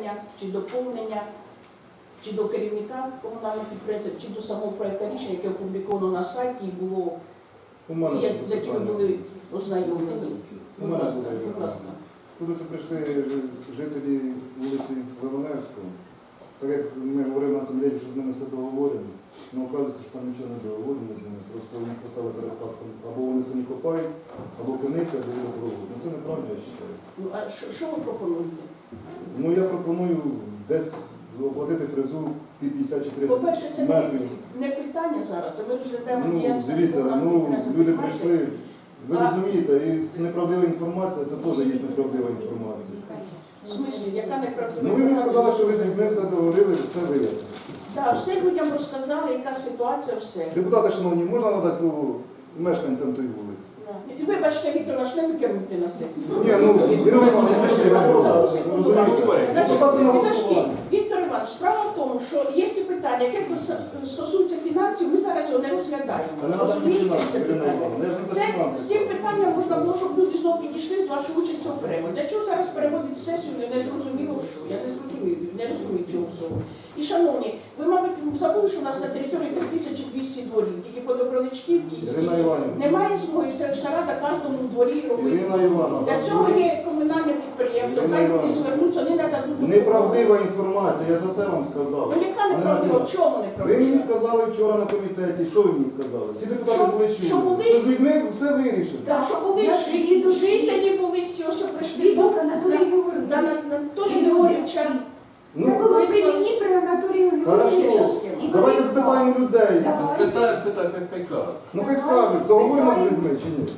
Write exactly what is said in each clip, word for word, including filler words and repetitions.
уточнення, чи доповнення, чи до керівника комунального підприємства, чи до самого проєкту рішення, яке опубліковано на сайті і було, я, з якими були ознайомлені. У мене буде, будь ласка. Коли це прийшли жителі вулиці Ливаневського, так як ми говорили на комітеті, що з ними все договорено, але оказується, що там нічого не договорено з ними, просто вони поставили перед фактом, або вони самі копають, або криниця, або водопровод. Ну це неправильно, я вважаю. Ну, а що, що ви пропонуєте? Ну я пропоную десь оплатити фрезу ті п'ятдесят чи тридцять По-перше, це не, метрів. не питання зараз, це ми розглядаємо Ну, діяльність. дивіться, ну люди прийшли, ви А- розумієте, і неправдива інформація, це теж є неправдива інформація. В смислі, яка неправдива? Ну ви мені сказали, що ви з людьми все договорили, все вияснили. Так, все людям розказали, яка ситуація, все. Депутати, шановні, можна надати слово мешканцям тої вулиці? І вибачте, Віктор, аж не ви керуєте на сесії. Ні, ну, Ірина Івановна, ви ж не розумієте. Значить, Поставте на підожди, голосування. Віктор Іванович, справа в тому, що є ці питання, яке стосуються фінансів, ми зараз його не розглядаємо. Та не треба Розумієте, фінансів, це Ірина питання? Івановна, я ж не за Це, фінанси. з цим питанням можна було, щоб люди знову підійшли з вашою участю окремо. Для чого зараз переводити сесію, не, не зрозуміло що. Я не зрозумію, не розумію цього всього. І, шановні, ви, мабуть, забули, що у нас на території три тисячі двісті дворів, тільки по Доброличківській. Ірина Іванівна. Немає змоги селищна рада кожному дворі робити. Ірина Івановна. Для цього є комунальне підприємство, Ірина хай люди Івановна. звернуться, вони нададуть. Неправдива інформація, я за це вам сказав. Ну яка А не неправдива? надумав. В чому Ви мені неправдива? сказали вчора на комітеті, що ви мені сказали? Всі депутати Що- були що чули. були? Що з людьми все вирішили. Так, що були Я жи- свідок. жителі були ці, ось що прийшли до Свідок Анатолій Георгійович. на Анатолій Георгійовича. Це Ну, було при мені при Анатолію хорошо. Георгійовичу. І Давайте вони спитаємо людей. Давай. Спитай, спитай, хай хай кажуть. Ну хай скажуть, договоримо з людьми чи ні?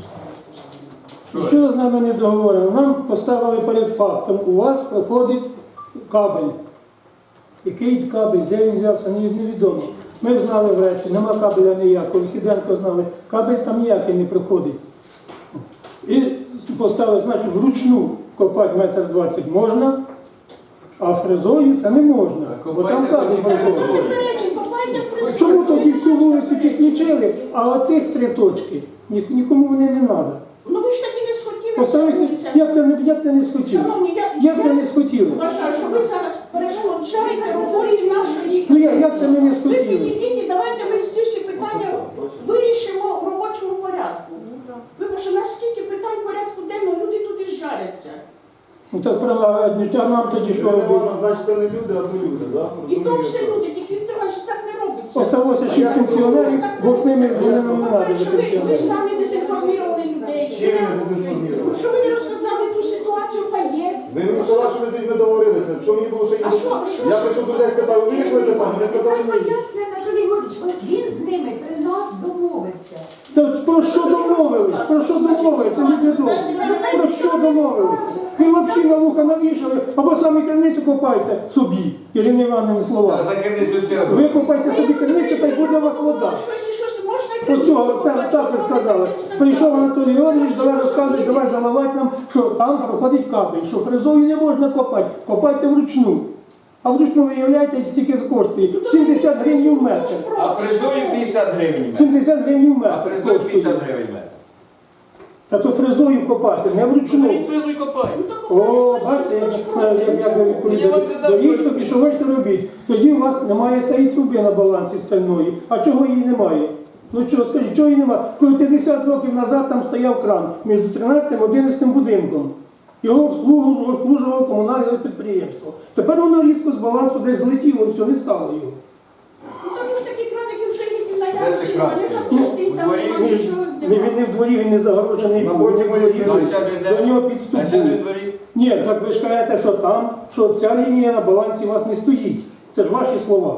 Нічого з нами не договорено. Нам поставили перед фактом. У вас проходить кабель. Який кабель, де він взявся, ні- невідомо. Ми знали врешті, нема кабеля ніякого. Сіденко знали, кабель там ніякий не проходить. І поставили, значить, вручну копати метр двадцять можна, а фрезою це не можна. Бо там кабель Та не проходить. заперечень, копайте фрезу. Чому тоді всю вулицю підключили, а оцих три точки ні- нікому вони не треба? Ну ви ж тоді не схотіли. Поставився, вулиця. як це не як це не схотіло? Шановні, я, Як це не схотіло? вважаю, що ви зараз перешкоджаєте роботі нашої. Ну як, як це ми не Ви схотіли? підійдіть і давайте ми ці всі питання вирішимо в робочому порядку. Вибачте, наскільки питань в порядку денного, люди тут і жаряться. Ну так правильно, а нам тоді що Ірина робити? Івановна, значить це не люди, а то люди, так? І то все люди, тільки Віктор Іванович, так не робиться. Осталося шість пенсіонерів, бо з ними вони нам не треба По-перше, за ви, ви пенсіонерів. самі дезінформували людей. Чим я дезінформував? Що ви не розказали ту ситуацію, яка є? Ви мені сказали, що ви з людьми договорилися. Що мені було ще А їм? що- що- Я прийшов до людей, спитав, ви вирішили питання? Вони сказали, Так ні. поясни, Анатолій Георгійович, бо він з ними при нас домовився. Та про що домовились? Про що домовились? Це невідомо. Про що домовились? Ви взагалі на вуха навішали, або самі криницю копайте собі, Ірина Івановна Та слова. за криницю чергу. Ви копайте собі криницю, та й буде у вас вода. Щось, щось можна і Оцього, це так і сказали. Прийшов Анатолій Георгійович, давай розказуй, давай заливати нам, що там проходить кабель, що фрезою не можна копати, копайте вручну. А вручну, виявляєте, скільки коштує? сімдесят гривень в метр. А фрезою п'ятдесят гривень. сімдесят гривень в метр. А фрезою п'ятдесят коштує. гривень метр. Та то фрезою копати, не вручну. Фрезу і копай. О, бачите, як, як, як ви відповідали. Доріг собі, що хочете робіть. Тоді у вас немає цієї труби на балансі стальної. А чого її немає? Ну чого, скажіть, чого її немає? Коли п'ятдесят років назад там стояв кран між тринадцятим і одинадцятим будинком. Його обслуговувало обслужувало комунальне підприємство. Тепер воно різко з балансу десь злетіло, все, не стало його. Ну там ж такі краники вже є в Де це наявності, кран вони стоїть? запчастин, У там дворі? немає Він, нічого. не, він не в дворі, він не загорожений. На він боці не в моєї дворі. Ну, зараз він де? До нього А підступ зараз був. він дворі? Ні, так ви ж кажете, що там, що ця лінія на балансі у вас не стоїть. Це ж ваші слова.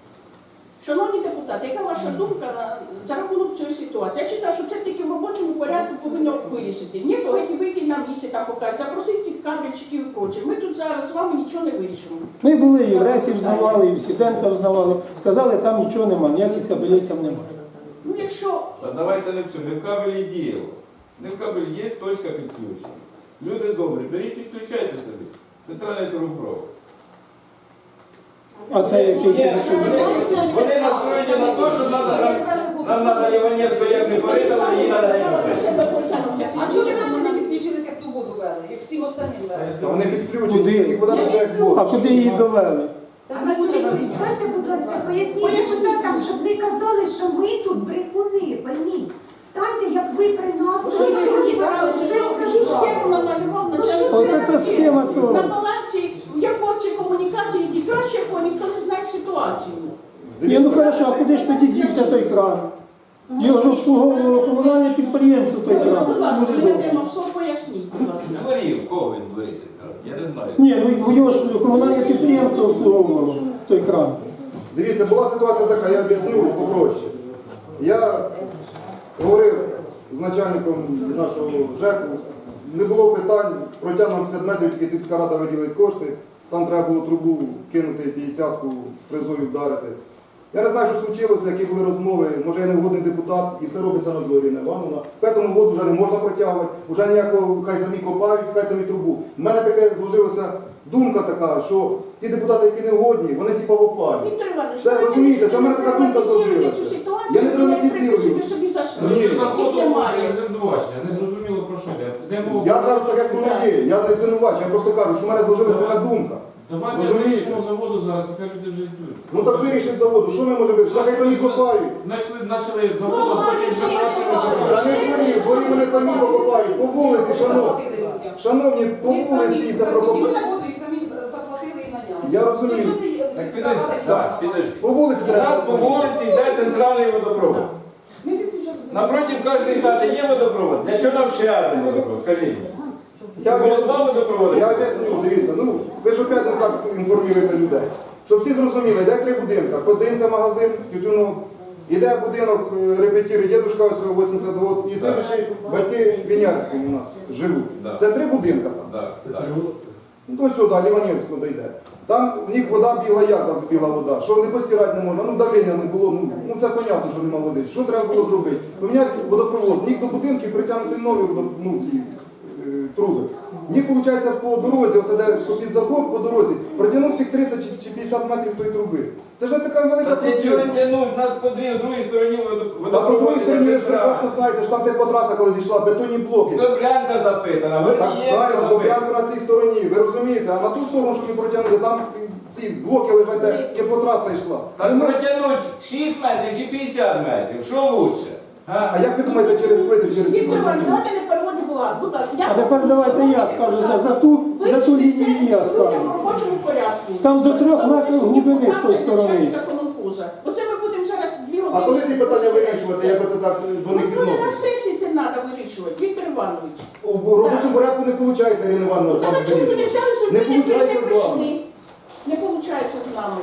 Шановні депутати, яка ваша думка на, за рахунок цієї ситуації? Я читаю, що це тільки в робочому порядку повинно вирішити. Ні, то геть вийти на місце там покажуть, запросити цих кабельчиків і проче. Ми тут зараз з вами нічого не вирішимо. Ми були і в Ресі взнавали, і в Сіденка взнавали. Сказали, там нічого немає, ніяких кабелів там немає. Ну якщо Та давайте не в цьому, не в кабелі діло. Не в кабелі є точка підключення. Люди добрі, беріть, підключайте собі. Центральний трубопровод. А це який? Ні, вони, вони настроєні на те, що нам, нам, нам треба Іванівську як не порізали, їй треба Іванівську. А чого ви раніше не підключилися, як тут воду вели, як всім останнім вели. Та вони підключені, Куди? їх вода тече як воду. А куди її довели? Анатолій Юрійович, станьте, будь ласка, поясніть депутатам, щоб не казали, що ми тут брехуни, пойміть. Станьте, як ви при нас. Ну, що ви розбиралися? Всю схему намалював начальник. От ця схема то. На балансі, як оці комунікації йде краще, бо ніхто не знає ситуацію. Ні, ну хорошо, а куди ж тоді дівся той кран? Його ж обслуговувало комунальне підприємство той кран. Будь ласка, Дуже ви добре. дадемо все поясніть, будь ласка. Дворів, кого він дворить? Я не знаю. Ні, ну його ж комунальне підприємство обслуговувало той кран. Дивіться, була ситуація така, я об'ясню попроще. Я говорив з начальником нашого ЖЕКу, не було питань, протягнув п'ятдесят метрів, тільки сільська рада виділить кошти, там треба було трубу кинути, п'ятдесятку фрезою вдарити. Я не знаю, що случилося, які були розмови, може я не вгодний депутат, і все робиться на зорі, не Івановна. Тому воду вже не можна протягувати, вже ніякого, хай самі копають, хай самі трубу. У мене таке зложилася думка така, що ті депутати, які не вгодні, вони типу в опалі. Віктор Іванович, Це, ви розумієте, це в мене така думка драматизуєте зложилася. цю ситуацію, Я не ви драматизую. приписуєте собі за що. Ні. Що заводу Їх немає. звинувачення, не зрозуміло про що йде. Де мова? Я кажу так, як воно є, я не звинувачую, я просто кажу, що в мене зложилася така думка. Давайте Розумієте? вирішимо заводу зараз, яка люди вже йдуть. Ну так вирішить заводу, що ми можемо вирішити? Хай самі копають. Почали, почали заводу, Ну, а потім вже ну, почали. Та не дворі, дворі вони самі покопають, по вулиці, шановні. Шановні, по Ми самі вулиці це закупили прокопають. воду і самі заплатили і наняли. Я розумію. Якщо це є Так сільська підожди, рада, так, яка підожди. По вулиці У нас по треба. вулиці йде центральний водопровод. Ми підключали. Напротив кожної хати є водопровод. Для чого нам ще один водопровод? Скажіть. Я Було об'ясню, два водопроводи? я об'ясню, дивіться, ну ви ж опять не так інформуєте людей. Щоб всі зрозуміли, йде три будинки. Козинця магазин, тютюнок, іде будинок е, репетіри, дідушка ось вісімдесят років, і слідчі батьки Вінярської у нас живуть. Да. Це три будинки там. Так, так. Ну, то сюди, Ліванівського дійде. Там в них вода бігла, як нас біла вода. Що не постирати не можна, ну давлення не було, ну, ну це понятно, що нема води. Що треба було зробити? Поміняти водопровод, ніг до будинків притягнути нові водо- ну, ці, е, труби. Ніг, виходить, по дорозі, оце де під забор по дорозі, протягнути тих тридцять чи- чи п'ятдесят метрів тої труби. Це ж не така велика Та нічого проблема. не тянуть, у нас по дві, в другій стороні водо- Та по другій водопровод стороні ви іде ж прекрасно центральний. знаєте, що там теплотраса, коли зійшла, бетонні блоки. Добрянка запитана, Так, Гордієнка правильно, запитана. Добрянка на цій стороні, ви розумієте, а на ту сторону, щоб не протягнути, там ці блоки лежать, де теплотраса йшла. Так Нема- протягнуть шість метрів чи п'ятдесят метрів, що лучше? А? А як ви думаєте, через плиці, через ці Віктор Іванович, протягнути? давайте не переводимо влад, будь ласка. Я А тепер давайте я скажу за, за ту, за ту лінію я в скажу. робочому порядку. Там до трьох Там метрів присутні глибини з тої депутати, сторони. начальника комунхоза. Оце ми будемо зараз дві години. А коли ці питання вирішувати, як оце так до Ну, них ну, не на відноситься? сесії це треба вирішувати, Віктор Іванович. У робочому порядку не виходить, Ірина Івановна, з Та вами на чому ж ви не вирішувати. взяли Не сьогодні, не виходить з вами. прийшли? Не виходить з нами.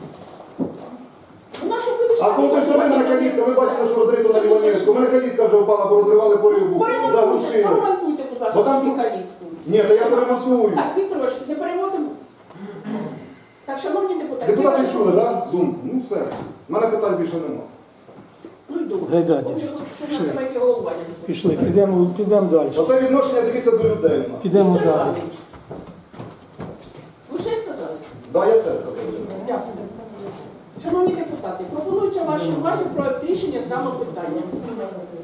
У нас що буде А коли той сторони мене калітка, ви бачили, що розрито на Ліванівську, у мене калітка вже впала, бо розривали полюбу, Поремонтуйте, заглушили. поремонтуйте, будь ласка, Бо там цю тут- калітку. Ні, то я перемонтую. Так, Віктор Іванович, не переводимо. Так, шановні депутати. Депутати я чули, прошу так? Думку. Ну все. У мене питань більше нема. Ну і добре. Гайда, Бо вже дідусь. хочу, щоб на себе яке головування. Пішли, підемо, підемо далі. Оце відношення, дивіться, до людей у нас. Підемо Віктор далі. Іванович, ви все сказали? Да, я все сказав. Дякую. Шановні депутати, пропонується вашій увазі проект рішення з даного питання.